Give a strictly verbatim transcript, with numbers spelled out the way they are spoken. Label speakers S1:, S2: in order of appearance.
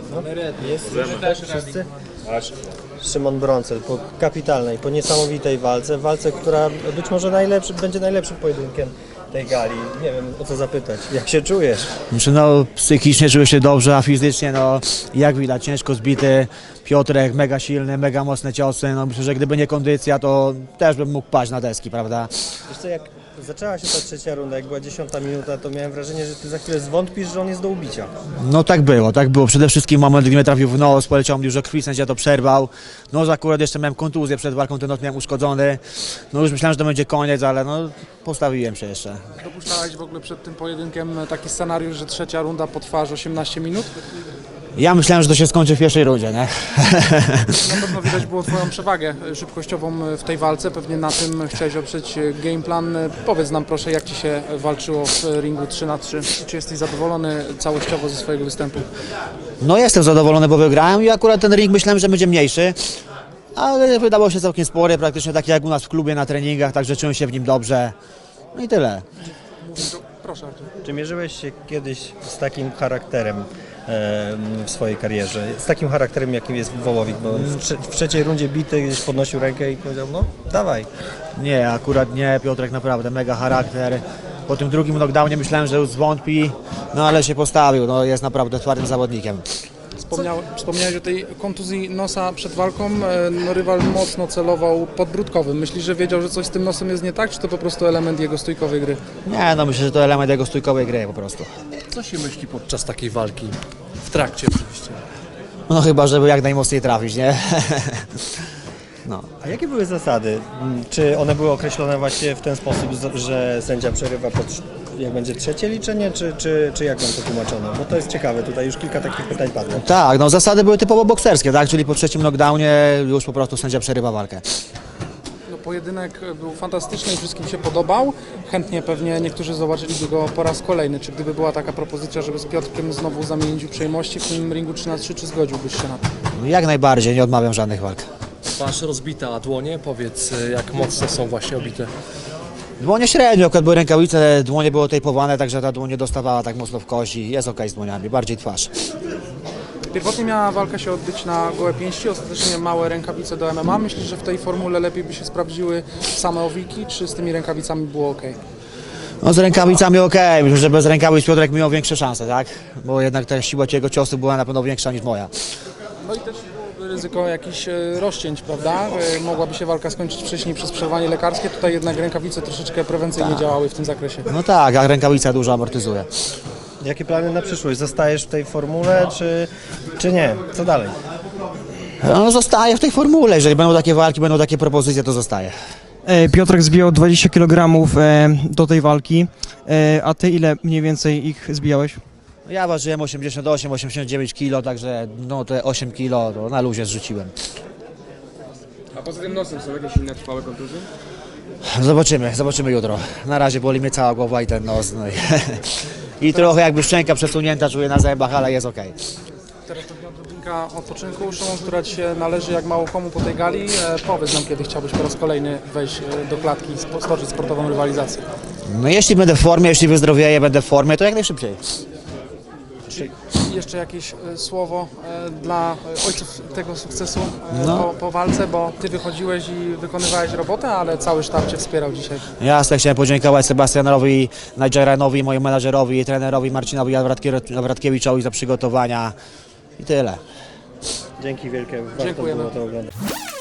S1: Jest też wszyscy? Szymon Brącel po kapitalnej, po niesamowitej walce, walce, która być może najlepszy, będzie najlepszym pojedynkiem tej gali. Nie wiem, o co zapytać. Jak się czujesz?
S2: Znaczy, no, psychicznie czuję się dobrze, a fizycznie, no, jak widać, ciężko zbity. Piotrek mega silny, mega mocne ciosy. No, myślę, że gdyby nie kondycja, to też bym mógł paść na deski, prawda?
S1: Wiesz co, jak zaczęła się ta trzecia runda, jak była dziesiąta minuta, to miałem wrażenie, że ty za chwilę zwątpisz, że on jest do ubicia.
S2: No tak było, tak było. Przede wszystkim moment, gdy mnie trafił w nos, poleciał mi dużo krwi, sędzia to przerwał. No akurat jeszcze miałem kontuzję przed walką, ten nos miałem uszkodzony. No już myślałem, że to będzie koniec, ale no postawiłem się jeszcze.
S3: Dopuszczałeś w ogóle przed tym pojedynkiem taki scenariusz, że trzecia runda potrwa aż osiemnaście minut?
S2: Ja myślałem, że to się skończy w pierwszej rundzie, nie?
S3: Na pewno widać było Twoją przewagę szybkościową w tej walce, pewnie na tym chciałeś oprzeć game plan. Powiedz nam proszę, jak Ci się walczyło w ringu trzy na trzy? Czy jesteś zadowolony całościowo ze swojego występu?
S2: No jestem zadowolony, bo wygrałem i akurat ten ring myślałem, że będzie mniejszy. Ale wydawał się całkiem spory, praktycznie tak jak u nas w klubie na treningach, także czułem się w nim dobrze. No i tyle.
S3: Proszę Artur.
S1: Czy mierzyłeś się kiedyś z takim charakterem e, w swojej karierze? Z takim charakterem, jakim jest Wołowik? Bo w, trze w trzeciej rundzie bity gdzieś podnosił rękę i powiedział, no dawaj.
S2: Nie, akurat nie, Piotrek naprawdę mega charakter. Po tym drugim knockdownie myślałem, że już zwątpi, no ale się postawił, no jest naprawdę twardym zawodnikiem.
S3: Wspomniał, wspomniałeś o tej kontuzji nosa przed walką. No, rywal mocno celował podbródkowym. Myślisz, że wiedział, że coś z tym nosem jest nie tak, czy to po prostu element jego stójkowej gry?
S2: Nie, no myślę, że to element jego stójkowej gry po prostu.
S4: Co się myśli podczas takiej walki? W trakcie oczywiście.
S2: No chyba, żeby jak najmocniej trafić, nie? No.
S1: A jakie były zasady? Czy one były określone właśnie w ten sposób, że sędzia przerywa pod, jak będzie trzecie liczenie, czy, czy, czy jak wam to tłumaczono? Bo to jest ciekawe, tutaj już kilka takich pytań padło.
S2: Tak, no zasady były typowo bokserskie, tak? Czyli po trzecim knockdownie już po prostu sędzia przerywa walkę.
S3: No, pojedynek był fantastyczny i wszystkim się podobał. Chętnie pewnie niektórzy zobaczyliby go po raz kolejny. Czy gdyby była taka propozycja, żeby z Piotrkiem znowu zamienić uprzejmości w tym ringu trzy na trzy, czy zgodziłbyś się na to?
S2: No, jak najbardziej, nie odmawiam żadnych walk.
S4: Masz rozbite, a dłonie? Powiedz, jak mocno są właśnie obite.
S2: Dłonie średnio, akurat były rękawice, dłonie były tejpowane, także ta dłoń nie dostawała tak mocno w kości. Jest okej z dłoniami, bardziej twarz.
S3: Pierwotnie miała walka się odbyć na gołe pięści, ostatecznie małe rękawice do M M A. Myślisz, że w tej formule lepiej by się sprawdziły same owiki, czy z tymi rękawicami było ok?
S2: No z rękawicami okej, myślę, że bez rękawic Piotrek miał większe szanse, tak? Bo jednak ta siła jego ciosu była na pewno większa niż moja.
S3: No i też byłoby ryzyko jakichś e, rozcięć, prawda? E, Mogłaby się walka skończyć wcześniej przez przerwanie lekarskie. Tutaj jednak rękawice troszeczkę prewencyjnie działały w tym zakresie.
S2: No tak, a rękawica dużo amortyzuje.
S1: Jakie plany na przyszłość? Zostajesz w tej formule, czy, czy nie? Co dalej?
S2: No zostaje w tej formule, jeżeli będą takie walki, będą takie propozycje, to zostaje.
S5: E, Piotrek zbijał dwadzieścia kilogramów e, do tej walki, e, a ty ile mniej więcej ich zbijałeś?
S2: Ja ważyłem osiemdziesiąt osiem osiemdziesiąt dziewięć kilo, także no te osiem kilo to na luzie zrzuciłem.
S6: A poza tym nosem są jakieś inne trwałe kontuzje?
S2: Zobaczymy, zobaczymy jutro. Na razie boli mnie cała głowa i ten nos. No i, i trochę jakby szczęka przesunięta, czuję na zębach, ale jest okej.
S3: Teraz pewnie odrobinka odpoczynku, Szymon, która Ci się należy jak mało komu po tej gali. E, Powiedz nam, kiedy chciałbyś po raz kolejny wejść e, do klatki i spo- stoczyć sportową rywalizację.
S2: No jeśli będę w formie, jeśli wyzdrowieję, będę w formie, to jak najszybciej.
S3: I jeszcze jakieś e, słowo e, dla e, ojców tego sukcesu e,
S2: No.
S3: po, po walce, bo Ty wychodziłeś i wykonywałeś robotę, ale cały sztab Cię wspierał dzisiaj.
S2: Jasne, chciałem podziękować Sebastianowi Najdżeranowi, mojemu menadżerowi i trenerowi Marcinowi Nawratkiewiczowi za przygotowania i tyle.
S1: Dzięki wielkie, warto
S3: Dziękujemy.
S1: było to oglądać.